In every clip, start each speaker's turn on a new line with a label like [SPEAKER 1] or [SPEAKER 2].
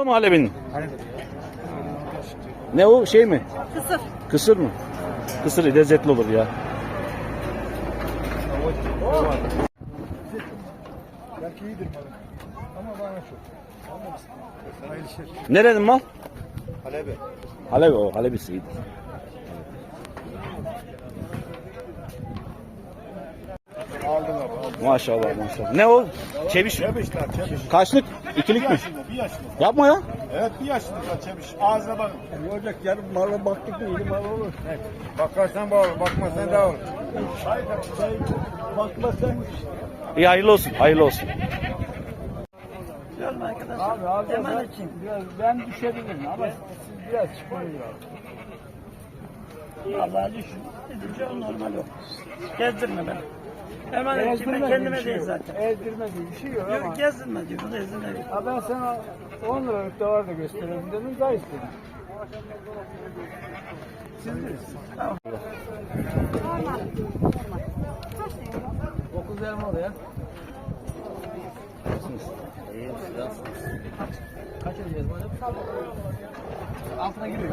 [SPEAKER 1] malı mı Halebi'nin?
[SPEAKER 2] Halebi.
[SPEAKER 1] Ne o şey mi?
[SPEAKER 3] Kısır.
[SPEAKER 1] Kısır mı? Kısır lezzetli olur ya.
[SPEAKER 2] Belki iyidir malı. Ama bana çok. Anlamışsın. Hayırlı işler.
[SPEAKER 1] Nerenin mal?
[SPEAKER 2] Halebi.
[SPEAKER 1] Halebi o. Halebisi iyidir.
[SPEAKER 2] Aldım abi. Aldım.
[SPEAKER 1] Maşallah maşallah. Ne o? Çeviş.
[SPEAKER 2] Çebiş lan çebiş.
[SPEAKER 1] Kaçlık? İkilik
[SPEAKER 2] Bir
[SPEAKER 1] mi?
[SPEAKER 2] yaşında, bir yaşında.
[SPEAKER 1] Yapma ya.
[SPEAKER 2] Evet bir yaşında lan çebiş. Ağzına bakın.
[SPEAKER 4] Olacak yarın mala baktık mı iyi mal olur.
[SPEAKER 2] Evet. Bakarsan bağır, bakmazsan da olur.
[SPEAKER 4] Bakmasan
[SPEAKER 1] İyi hayırlı olsun. Hayırlı olsun.
[SPEAKER 3] Görme arkadaşlar.
[SPEAKER 4] abi alacağız.
[SPEAKER 3] Hemen için.
[SPEAKER 4] Biraz ben düşebilirim ama siz biraz çıkmayın lazım.
[SPEAKER 3] Vallahi düşün. Gidince o normal yok. Gezdirme beni. Hemen için ben kendime değil zaten.
[SPEAKER 4] Ezdirme diye bir şey yok ama.
[SPEAKER 3] Yok gezdirme diyor. Bu da ezdirme diyor.
[SPEAKER 4] Ha ben sana 10 liralık da var da gösterelim dedim daha istedim. Siz bilirsiniz.
[SPEAKER 3] Tamam.
[SPEAKER 4] 9 elma oraya. Kaç ödeyeceğiz hocam? Altına giriyor.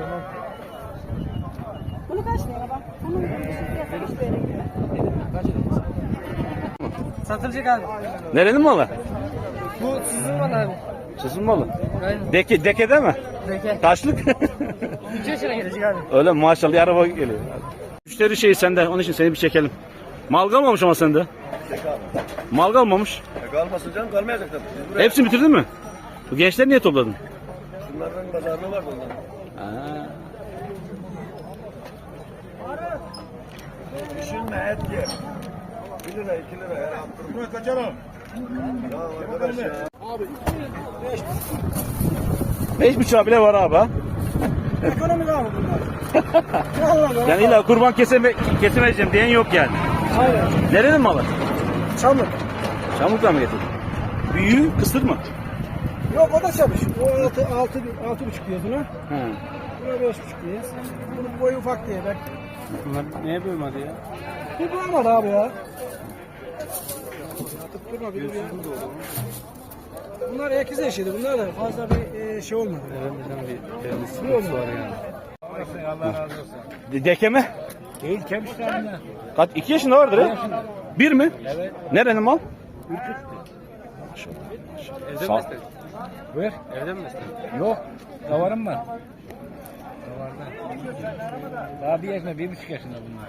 [SPEAKER 5] Bunu kaç lira bak? Bunun fiyatı hiçbir yere gitmez.
[SPEAKER 4] Kaç ödeyeceğiz? Satılacak abi.
[SPEAKER 1] Nerenin malı?
[SPEAKER 4] Bu sizin var abi.
[SPEAKER 1] Sizin malı.
[SPEAKER 4] Aynen.
[SPEAKER 1] Dekede mi?
[SPEAKER 4] Zeki.
[SPEAKER 1] Taşlık.
[SPEAKER 4] 3 yaşına gelecek abi.
[SPEAKER 1] Öyle mi? Maşallah bir araba geliyor. Müşteri şeyi sende. Onun için seni bir çekelim. Mal kalmamış ama sende. Mal kalmamış.
[SPEAKER 2] Kalmasın canım kalmayacak tabii.
[SPEAKER 1] Hepsini bitirdin mi? Bu gençleri niye topladın?
[SPEAKER 2] Bunlardan pazarlığı var bunların.
[SPEAKER 1] Ha.
[SPEAKER 2] Düşünme et ye. 1 lira 2 lira ya. Bunu kaçalım. Ya arkadaş ya. Abi
[SPEAKER 1] 5,5 bile var abi ha.
[SPEAKER 4] Ekonomik abi bunlar.
[SPEAKER 1] Yani illa kurban kesemeyeceğim diyen yok yani.
[SPEAKER 4] Aynen.
[SPEAKER 1] Nerenin malı?
[SPEAKER 4] Çamlık.
[SPEAKER 1] Çamlık'tan mı getirdin? Büyüğü kısır mı?
[SPEAKER 4] Yok o da çamış. O 6,5 diyor buna.
[SPEAKER 1] Ha.
[SPEAKER 4] Buna 5,5 diyor. Bunun boyu ufak diye ben.
[SPEAKER 1] Bunlar neye bölmedi ya?
[SPEAKER 4] Bir bulamadı abi ya. Tutturma bir ya. Bunlar ekiz eşiydi. Bunlar da fazla bir şey olmadı.
[SPEAKER 1] Bir
[SPEAKER 4] sıkıntısı
[SPEAKER 1] var yani.
[SPEAKER 2] Allah razı olsun.
[SPEAKER 1] Deke mi?
[SPEAKER 4] Değil kemişlerinden.
[SPEAKER 1] Kaç? 2 yaşında vardır ha? 1 mi?
[SPEAKER 4] Evet.
[SPEAKER 1] Nerenin mal?
[SPEAKER 4] Evden
[SPEAKER 1] Sağ-
[SPEAKER 4] mi istedin? Buyur. Evden mi istedin? Yok. Davarım var. Davarda. Daha 1 yaşında, 1,5 yaşında bunlar.